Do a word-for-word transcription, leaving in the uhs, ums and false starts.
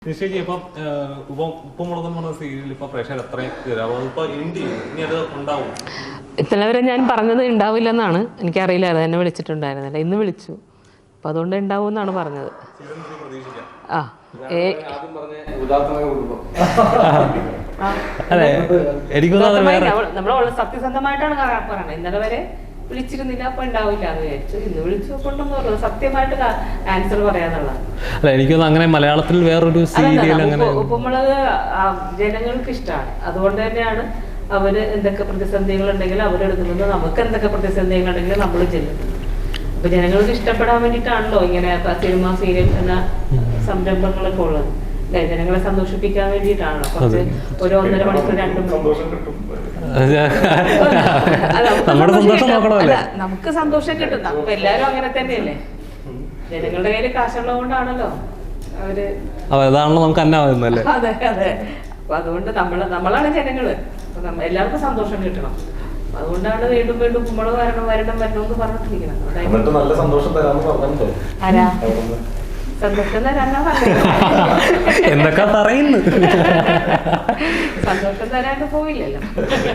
നിശ്ചയിച്ച് ഇപ്പം ഉപ ഉപ്പുമുളക് എന്ന് പറഞ്ഞ സീരിയൽ ഇപ്പൊ പ്രേക്ഷകർ അത്രയും ഇപ്പൊ ഇനി അത് ഉണ്ടാവും. ഇന്നലെ വരെ ഞാൻ പറഞ്ഞത് ഉണ്ടാവില്ലെന്നാണ്, എനിക്കറിയില്ല, അത് എന്നെ വിളിച്ചിട്ടുണ്ടായിരുന്നില്ല. ഇന്ന് വിളിച്ചു, അപ്പം അതുകൊണ്ട് ഉണ്ടാവും എന്നാണ് പറഞ്ഞത്. ആ ഏ അതെ, എനിക്ക് നമ്മൾ സത്യസന്ധമായിട്ടാണ് പറയണത്. ഇന്നലെ വരെ വിളിച്ചിരുന്നില്ല, അപ്പൊ ഉണ്ടാവില്ല എന്ന് വിചാരിച്ചു. ഇന്ന് വിളിച്ചു കൊണ്ടെന്ന് പറഞ്ഞു സത്യമായിട്ട് ആൻസർ പറയാന്നുള്ളത്. അല്ല, എനിക്കൊന്നും അങ്ങനെ മലയാളത്തിൽ വേറൊരു സീരിയൽ അങ്ങനെ ഉപ്പുമുളക് ജനങ്ങൾക്ക് ഇഷ്ടമാണ്. അതുകൊണ്ട് തന്നെയാണ് അവര് എന്തൊക്കെ പ്രതിസന്ധികൾ ഉണ്ടെങ്കിലും അവരെടുക്കുന്നത്, നമുക്ക് എന്തൊക്കെ പ്രതിസന്ധികൾ ഉണ്ടെങ്കിലും നമ്മൾ ചെല്ലുന്നത്. അപ്പൊ ജനങ്ങൾക്ക് ഇഷ്ടപ്പെടാൻ വേണ്ടിയിട്ടാണല്ലോ ഇങ്ങനെ സിനിമ സീരിയൽ എന്ന സംരംഭങ്ങളൊക്കെ ഉള്ളത്. അല്ലെ, ജനങ്ങളെ സന്തോഷിപ്പിക്കാൻ വേണ്ടിയിട്ടാണല്ലോ. കുറച്ച് ഒരു ഒന്നര മണിക്കൂർ രണ്ട് നമുക്ക് സന്തോഷം കിട്ടും. അപ്പൊ എല്ലാരും അങ്ങനെ തന്നെയല്ലേ, ജനങ്ങളുടെ കയ്യിൽ കാശുള്ളത് കൊണ്ടാണല്ലോ അവര് അതാണല്ലോ നമുക്ക് അന്നാവുന്നല്ലേ. അതെ അതെ. അപ്പൊ അതുകൊണ്ട് നമ്മള് നമ്മളാണ് ജനങ്ങള്, എല്ലാവർക്കും സന്തോഷം കിട്ടണം. അതുകൊണ്ടാണ് വീണ്ടും വീണ്ടും ഉപ്പുമുളക് വരണം വരണം വരണം എന്ന് പറഞ്ഞിട്ടിരിക്കുന്നത്. നല്ല സന്തോഷം തരാന്ന് പറഞ്ഞോ? ആരാ സന്തോഷം തരാനാ എന്നൊക്കെ പറയുന്നു. സന്തോഷം തരാണ്ട് പോയില്ലല്ലോ.